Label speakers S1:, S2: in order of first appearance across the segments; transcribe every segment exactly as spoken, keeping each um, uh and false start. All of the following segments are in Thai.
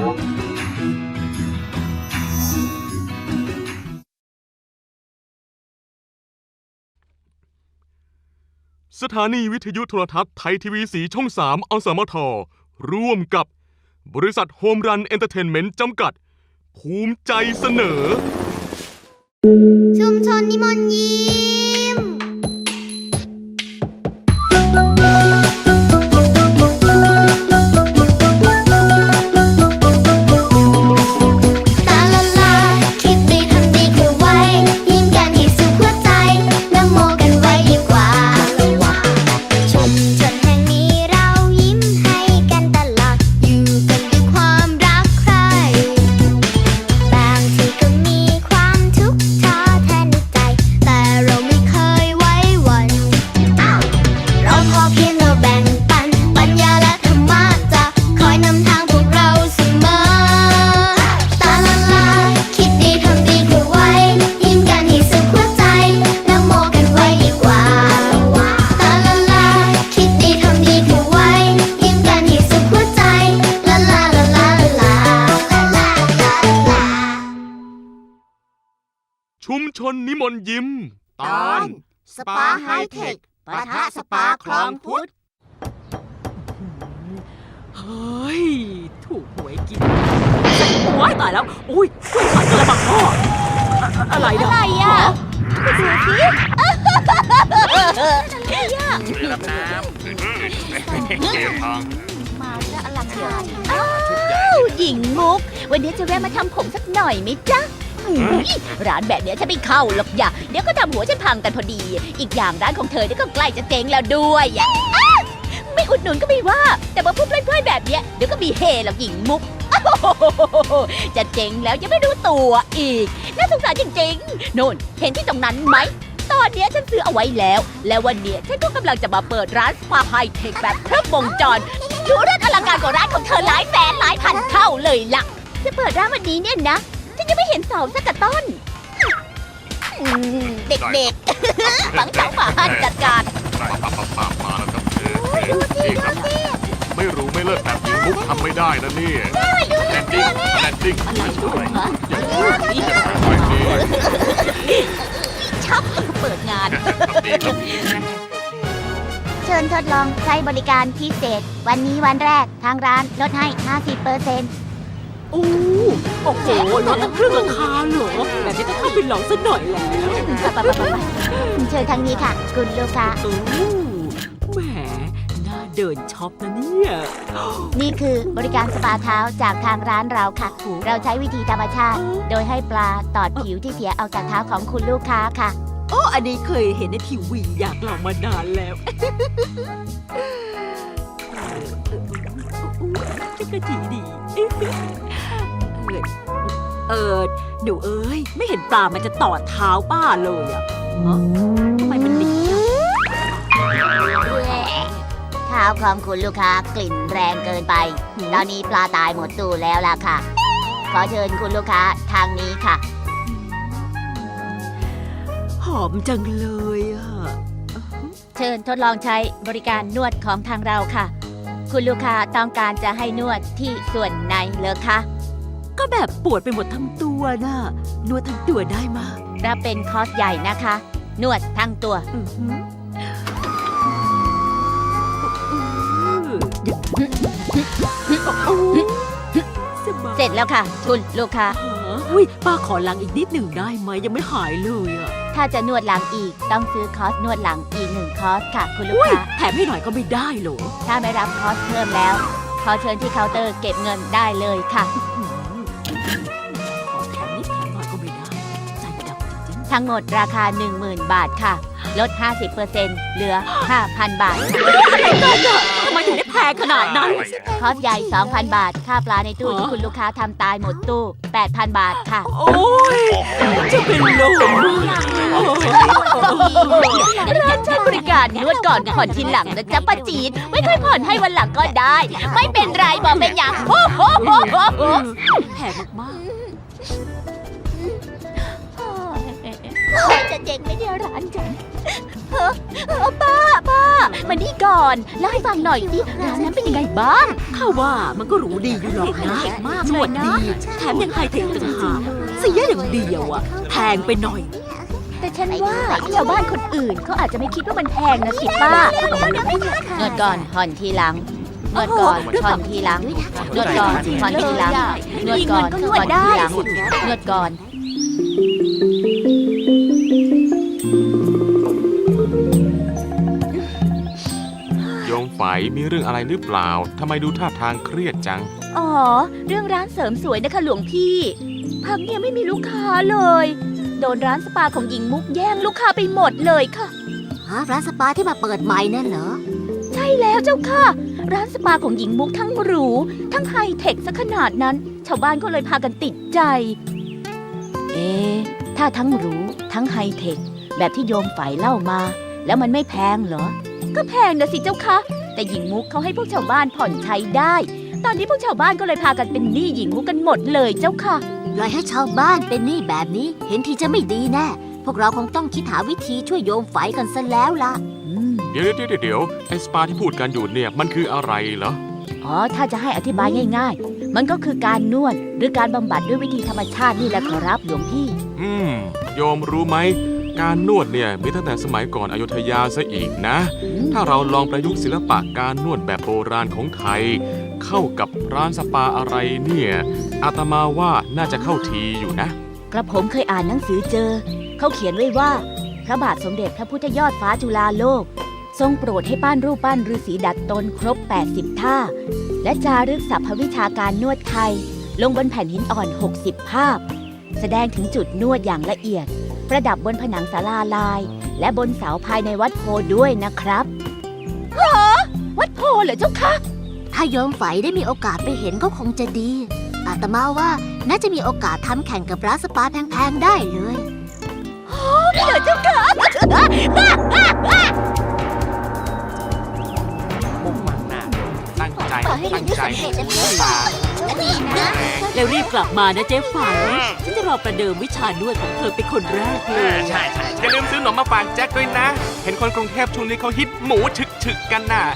S1: สถานีวิทยุโทรทัศน์ไทยทีวีสีช่องสามอสมทร่วมกับบริษัทโฮมรันเอนเตอร์เทนเมนต์จำกัดภูมิใจเสนอ
S2: ชุมชนนิมนต์ยิ้ม
S1: ชุมชนนิมนต์ยิ้ม
S2: ตอนสปาไฮเทคปะทะสปาคลองพุทธ
S3: เฮ้ยถูกหวยกินโอ้ยตายแล้วอุ้ยช่วยขายกระบังพ่ออะไรเนี่ย
S2: อะไรอ่ะไปดูสิ
S4: อะไรอ่ะรับน้ำเก็บทอง
S2: มาจะอลังการอ้าวหญิงมุกวันนี้จะแวะมาทำผมสักหน่อยไหมจ๊ะร้านแบบนี้ฉันไม่เข้าหรอกอย่าเดี๋ยวก็ทำหัวฉันพังกันพอดีอีกอย่างร้านของเธอนี่ก็ใกล้จะเจ๊งแล้วด้วยไม่อุดหนุนก็ไม่ว่าแต่มาพูดเพื่อนๆแบบนี้เดี๋ยวก็มีเฮหรอกหญิงมุกจะเจ๊งแล้วยังไม่รู้ตัวอีกน่าสงสารจริงๆโน่นเห็นที่ตรงนั้นไหมตอนนี้ฉันซื้อเอาไว้แล้วและวันนี้ฉันก็กำลังจะมาเปิดร้านสปาไฮเทคแบบครบวงจรดูเรื่องอลังการกว่าร้านของเธอหลายแสนหลายพันเท่าเลยล่ะจะเปิดร้านวันนี้เนี่ยนะฉันยังไม่เห็นเสาสักกระต้นเด็กๆฝังเสาป่าจัดการ
S1: ได้ปั๊บปั๊บปั๊บมาแล้วครับดูสิดูสิไม่รู้ไม่เลิกแบบยิงมุกทำไม่ได้นะนี่แลนดิ้งแลนดิ้ง
S3: อะไรด้วยฮะ
S2: ชับเปิดงานเชิญทดลองใช้บริการพิเศษวันนี้วันแรกทางร้านลดให้ ห้าสิบเปอร์เซ็นต์
S3: โอ้โอ้โหลดตั้งครึ่งราคาเหรอแบบนี้ต้องเข้าไปลองสักหน่อยแล้ว
S2: ไปไปไปเชิญทางนี้ค่ะคุณลูกค้า
S3: โอ้แหมน่าเดินช็อปนะเนี่ย
S2: นี่คือบริการสปาเท้าจากทางร้านเราค่ะเราใช้วิธีธรรมชาติโดยให้ปลาตอดผิวที่เสียออกจากเท้าของคุณลูกค้าค่ะ
S3: โอ้อันนี้เคยเห็นในทีวีอยากลองมานานแล้วจะกระจีดีเออหนูเอ้ยไม่เห็นปลามันจะตอดเท้าป้าเลยอ่ะทำไมมันดี
S2: เท้าของคุณลูกค้ากลิ่นแรงเกินไปตอนนี้ปลาตายหมดตู้แล้วล่ะค่ะขอเชิญคุณลูกค้าทางนี้ค่ะ
S3: หอมจังเลยอ่ะ
S2: เชิญทดลองใช้บริการนวดของทางเราค่ะคุณลูกค้าต้องการจะให้นวดที่ส่วนไหนเหรอคะ
S3: ก็แบบปวดไปหมดทั้งตัวน่ะนวดทั้งตัวได้มา
S2: รับเป็นคอร์สใหญ่นะคะนวดทั้งตัวเสร็จแล้วค่ะคุณลูกค้า
S3: อุ้ยป้าขอล้างอีกนิดหนึ่งได้ไหมยังไม่หายเลยอ่ะ
S2: ถ้าจะนวดหลังอีกต้องซื้อคอร์สนวดหลังอีกหนึ่งคอร์สค่ะคุณลูกค้า
S3: แถมให้หน่อยก็ไม่ได้หรอ
S2: ถ้าไม่รับคอร์สเพิ่มแล้วขอเชิญที่เคาน์เตอร์เก็บเงินได้เลยค่ะ
S3: ขอแถมนิดแถมหน่อยก็ไม่ได้ใจดำจริง
S2: ๆทั้งหมดราคา หนึ่งหมื่น บาทค่ะลด ห้าสิบเปอร์เซ็นต์ เหลือ ห้าพัน บาท
S3: ทำไมถึงได้แพงขนาดนั้น
S2: คอร์สใหญ่ สองพัน บาทค่าปลาในตู้ที่คุณลูกค้าทำตายหมดตู้ แปดพัน บาทค่ะ
S3: โอ้ยจะเป็นลม
S2: ร้านใช้บริการนวดก่อนผ่อนทีหลังนะจ๊ะป้าจีนไม่ค่อยผ่อนให้วันหลังก็ได้ไม่เป็นไรบอกเป็นอย่างโอ้โห
S3: แพงมาก
S2: ใจจะเจ๋งไหม่เนี่ยร้านฉันเฮ้อเฮ้อป้าป้ามานี่ก่อนเล่าให้ฟังหน่อยสิร้านนั้นเป็นยังไงบ้าง
S3: ข้าว่ามันก็หรูดีอยู่หรอกนะ
S2: มาก
S3: น
S2: เล
S3: วย ด
S2: นะ
S3: ดีแถมยังไฮเทคต่างหากเสียอย่างเดียวอะแพงไปหน่อย
S2: แต่ฉันว่าชาวบ้านคนอื่นเขาอาจจะไม่คิดว่ามันแพงนะสิป้านวดก่อนผ่อนทีหลังนวดก่อนผ่อนทีหลังนวดก่อนผ่อนทีหลังนวดก่อนผ่อนทีหลังนวดก่อน
S1: โยมไฝมีเรื่องอะไรหรือเปล่าทำไมดูท่าทางเครียดจัง
S2: อ๋อ เรื่องร้านเสริมสวยนะคะหลวงพี่ พักเนี่ยไม่มีลูกค้าเลย โดนร้านสปาของหญิงมุกแย่งลูกค้าไปหมดเลยค่ะ
S5: ฮะร้านสปาที่มาเปิดใหม่นั่นเหรอ
S2: ใช่แล้วเจ้าค่ะ ร้านสปาของหญิงมุกทั้งหรู ทั้งไฮเทคซะขนาดนั้น ชาวบ้านก็เลยพากันติดใจ เอ๊ะถ้าทั้งหรูทั้งไฮเทคแบบที่โยมฝ่ายเล่ามา แล้วมันไม่แพงเหรอ ก็แพงนะสิเจ้าค่ะ แต่หญิงมุกเขาให้พวกชาวบ้านผ่อนใช้ได้ ตอนนี้พวกชาวบ้านก็เลยพากันเป็นหนี้หญิงมุกกันหมดเลยเจ้าค่ะ
S5: ปล่อยให้ชาวบ้านเป็นหนี้แบบนี้ เห็นทีจะไม่ดีแน่ พวกเราคงต้องคิดหาวิธีช่วยโยมไฝกันซะแล้วล่ะ
S2: อืม
S1: เดี๋ยวเดี๋ยวเดี๋ยวเดี๋ยวไอ้สปาที่พูดกันอยู่เนี่ยมันคืออะไรเหรอ
S2: อ๋อ ถ้าจะให้อธิบายง่ายๆ มันก็คือการนวดหรือการบำบัดด้วยวิธีธรรมชาตินี่แหละขอรับหลวงพี่
S1: อืม โยมรู้ไหม การนวดเนี่ยมีตั้งแต่สมัยก่อนอยุธยาซะอีกนะ ถ้าเราลองประยุกต์ศิลปะการนวดแบบโบราณของไทย เข้ากับร้านสปาอะไรเนี่ย อาตมาว่าน่าจะเข้าทีอยู่นะ
S2: กระผมเคยอ่านหนังสือเจอ เขาเขียนไว้ว่า พระบาทสมเด็จพระพุทธยอดฟ้าจุฬาโลก ทรงโปรดให้ปั้นรูปปั้นฤาษีดัดตนครบ แปดสิบ ท่า และจารึกศัพท์วิชาการนวดไทย ลงบนแผ่นหินอ่อน หกสิบ ภาพ แสดงถึงจุดนวดอย่างละเอียด ประดับบนผนังศาลาลาย และบนเสาภายในวัดโพด้วยนะครับฮะวัดโพเหรอเจ้าคะ
S5: ถ้าโยมไฝได้มีโอกาสไปเห็นก็คงจะดี อาตมาว่าน่าจะมีโอกาสทำแข่งกับร้านสปาแพงๆได้เลย
S2: เหรอเจ้าคะ
S4: มุ่งมั่นนะตั้งใจ
S5: ต่อให้
S4: ตั้งใจ
S5: เรียนได้สำเร็จนะ
S4: ตา
S5: ดีนะ
S3: แล้วรีบกลับมานะเจ๊ฝันฉันจะรอประเดิมวิชานวดของเธอเป็นคนแรกเลย
S4: ใช่ใช่
S1: อย่าลืมซื้อหนมมาฝากแจ็คด้วยนะ เห็นคนกรุงเทพช่วงนี้เขาฮิตหมูฉึกฉึกๆกันน่ะ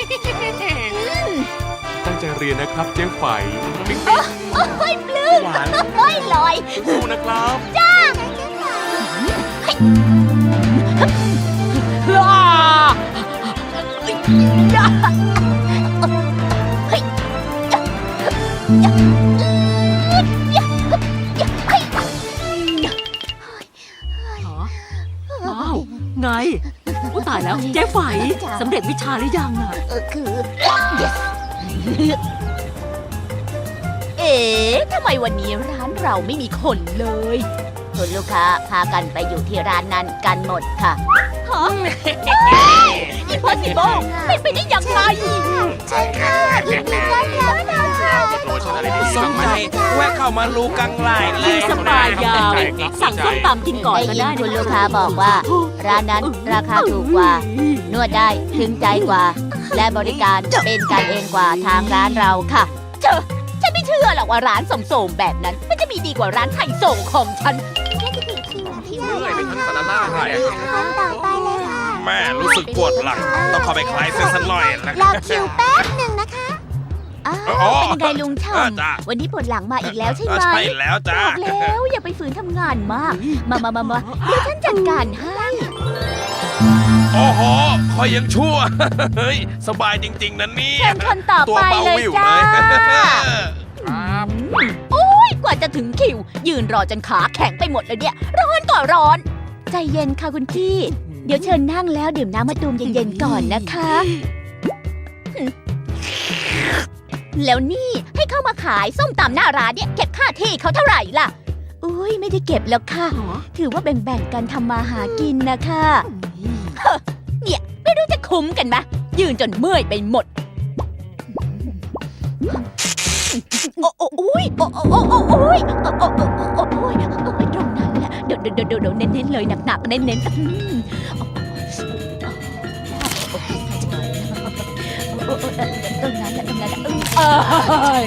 S1: ตั้งใจเรียนนะครับเจ๊ไฝปิ๊งปิ๊ง
S2: โอ้ยปลื้ม
S1: หวาน
S2: โอ้ยลอย
S1: สู้นะครับ
S3: อ้าว ไงอุ๊ยตายแล้วเจ๊ไฝสำเร็จวิชาหรือยังอะ
S2: เออคือ yes เอ๊ะทำไมวันนี้ร้านเราไม่มีคนเลยคุณลูกค้าพากันไปอยู่ที่ร้านนั้นกันหมดค่ะฮะ impossible เป็นไปได้ยังไง
S5: ใช่ค่ะยินดีต้อนรับค่ะ
S4: โอ้ฉันอะไรดี
S6: สมัยแวะเข้ามาลูกังไลน์เล
S3: มี
S6: ย
S3: สปายาว สั่งส้มตำกินก่อน
S2: ได้
S3: ก็
S2: ยิ
S3: ได้
S2: น
S3: นะ
S2: คุณลูกค้าบอกว่า ร้านนั้นราคาถูกกว่า นวดได้ถึงใจกว่า และบริการเป็นกันเองกว่าทางร้านเราค่ะเจอฉันไม่เชื่อหรอกว่าร้านสมโสมแบบนั้น มันจะมีดีกว่าร้านไข่ส่งของฉัน
S4: เมื่อยไปทั้งสารล่างเลย
S5: คนต่อไปเลยค่ะ
S6: แม่รู้สึกปวดหลัง ต้องเข้าไปคลายเส้นสักหน่อยนะ
S5: รอคิวแป๊บหนึ่งนะคะ
S2: อ้าว
S6: อ๋อ
S2: เป็นไงลุง
S6: เออ
S2: ช่ำ
S6: จ้ะ
S2: วันนี้ปวดหลังมาอีกแล้วใช่ไหม
S6: ใช่แล้วจ้า
S2: บอกแล้วอย่าไปฝืนทำงานมาก มามามามาเดี๋ยวฉันจัดการให้
S6: โอ้โหคอยยังชั่ว เฮ้ย สบายจริง ๆนะเนี่
S2: เชิ
S6: ย
S2: ญคนต่อ
S6: ตัว
S2: ไป
S6: เบา
S2: เลย
S6: วิว
S2: จ้า
S6: เลย
S4: ครับ
S2: โอ้ยกว่าจะถึงคิว ยืนรอจนขาแข็งไปหมดเลยเนี่ย ร้อนก็ร้อน ใจเย็นค่ะคุณพี่ เดี๋ยวเชิญนั่งแล้วดื่มน้ำมะตูมเย็นๆก่อนนะคะ แล้วนี่ให้เข้ามาขายส้มตำหน้าร้านเนี่ยเก็บค่าที่เขาเท่าไหร่ล่ะ อุ้ยไม่ได้เก็บแล้วค่ะ ถือว่าแบ่งๆกันทำมาหากินนะคะเฮ้อเนี่ยไม่รู้จะคุ้มกันไหมยืนจนเมื่อยไปหมด โอ้โอ้โอ้ยโอ้โอ้โอ้โอ้โอ้ยโอ้โอ้โอ้โอ้โอ้ยโอ้ยตรงนั้นแหละเดี๋ยวเดี๋ยวเดี๋ยวเดี๋ยวเน้นๆเลยหนักๆเน้นๆอืมตรงนั้นแหละตรงนั้นแหละเออ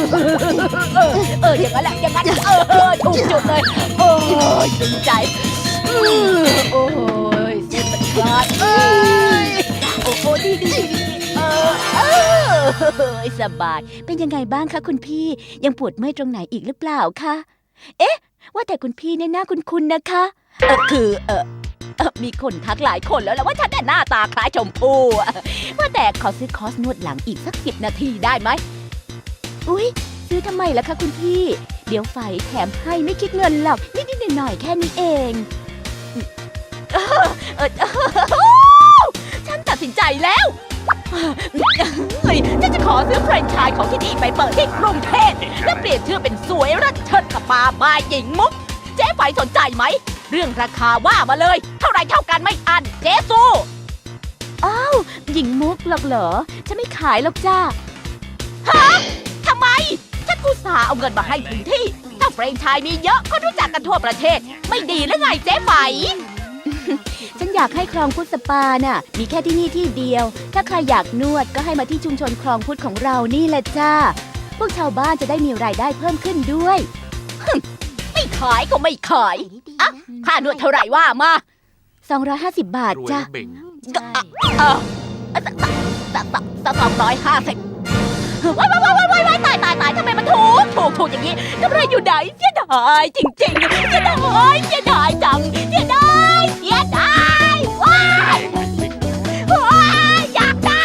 S2: เอออย่างนั้นแหละอย่างนั้นเออถูกจุดเลยโอ้ยดึงใจโอ้ยสุดยอดเอ้ยโอ้โหดีดีดีเออเออสบายเป็นยังไงบ้างคะคุณพี่ยังปวดเมื่อยตรงไหนอีกหรือเปล่าคะเอ๊ะว่าแต่คุณพี่เนี่ยหน้าคุ้นๆนะคะเออคือเออเออมีคนทักหลายคนแล้วแหละว่าฉันน่ะหน้าตาคล้ายชมพู่อะว่าแต่ขอซื้อคอร์สนวดหลังอีกสักสิบนาทีได้ไหมอุ๊ยซื้อทำไมล่ะคะคุณพี่เดี๋ยวไฟแถมให้ไม่คิดเงินหรอกนิดๆหน่อยๆแค่นี้เองเออเออเออฉันตัดสินใจแล้วเฮ้ยฉันจะขอซื้อแฟรนไชส์ของที่นี่ไปเปิดที่กรุงเทพและเปลี่ยนชื่อเป็นสวยรัชเชิดสปาบายหญิงมุกเจ๊ไฝสนใจไหมเรื่องราคาว่ามาเลยเท่าไรเท่ากันไม่อันเจ๊สู้อ้าวหญิงมุกหรอกเหรอฉันไม่ขายหรอกจ้าฮะทำไมฉันอุตส่าห์เอาเงินมาให้ถึงที่ถ้าแฟรนไชส์มีเยอะก็รู้จักกันทั่วประเทศไม่ดีหรือไงเจ๊ไฝ ฉันอยากให้คลองพุทธสปาน่ะมีแค่ที่นี่ที่เดียวถ้าใครอยากนวดก็ให้มาที่ชุมชนคลองพุทธของเรานี่แหละจ้าพวกชาวบ้านจะได้มีรายได้เพิ่มขึ้นด้วยไม่ขายก็ไม่ขายอ่ะค่านวดเท่าไหร่ว่ามาสองร้อยห้าสิบบาท
S4: รวย
S2: จ้ะ
S4: นะเบ่ง
S2: ก็อ่ะเออสองร้อยห้าสิบว้ายว้ายว้ายว้ายว้ายตายตายตายทำไมมันถูกถูกถูกอย่างนี้กำไรอยู่ไหนเสียดายจริงๆเสียดายเสียดายจังเสียดายเสียดายว้ายว้ายอยากได้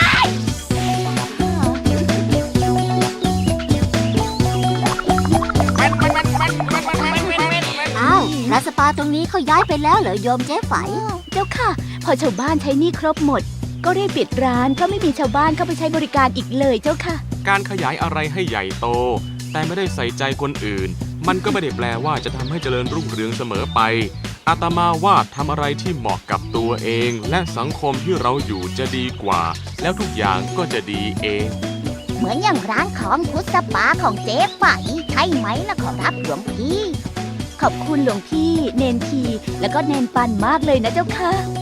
S5: อ้าวร้านสปาตรงนี้เขาย้ายไปแล้วเหรอโยมเจ๊ไฝ
S2: เจ้าค่ะ พอชาวบ้านใช้หนี้ครบหมด ก็รีบปิดร้านเพราะไม่มีชาวบ้านเข้าไปใช้บริการอีกเลยเจ้าค่ะ
S1: การขยายอะไรให้ใหญ่โต แต่ไม่ได้ใส่ใจคนอื่น มันก็ไม่ได้แปลว่าจะทำให้เจริญรุ่งเรืองเสมอไป อาตมาว่าทำอะไรที่เหมาะกับตัวเอง และสังคมที่เราอยู่จะดีกว่า แล้วทุกอย่างก็จะดีเอง
S5: เหมือนอย่างร้านของพุทธสปาของเจ๊ไฝใช่ไหมล่ะขอรับหลวงพี่
S2: ขอบคุณหลวงพี่ เนนที แล้วก็เนนปันมากเลยนะเจ้าค่ะ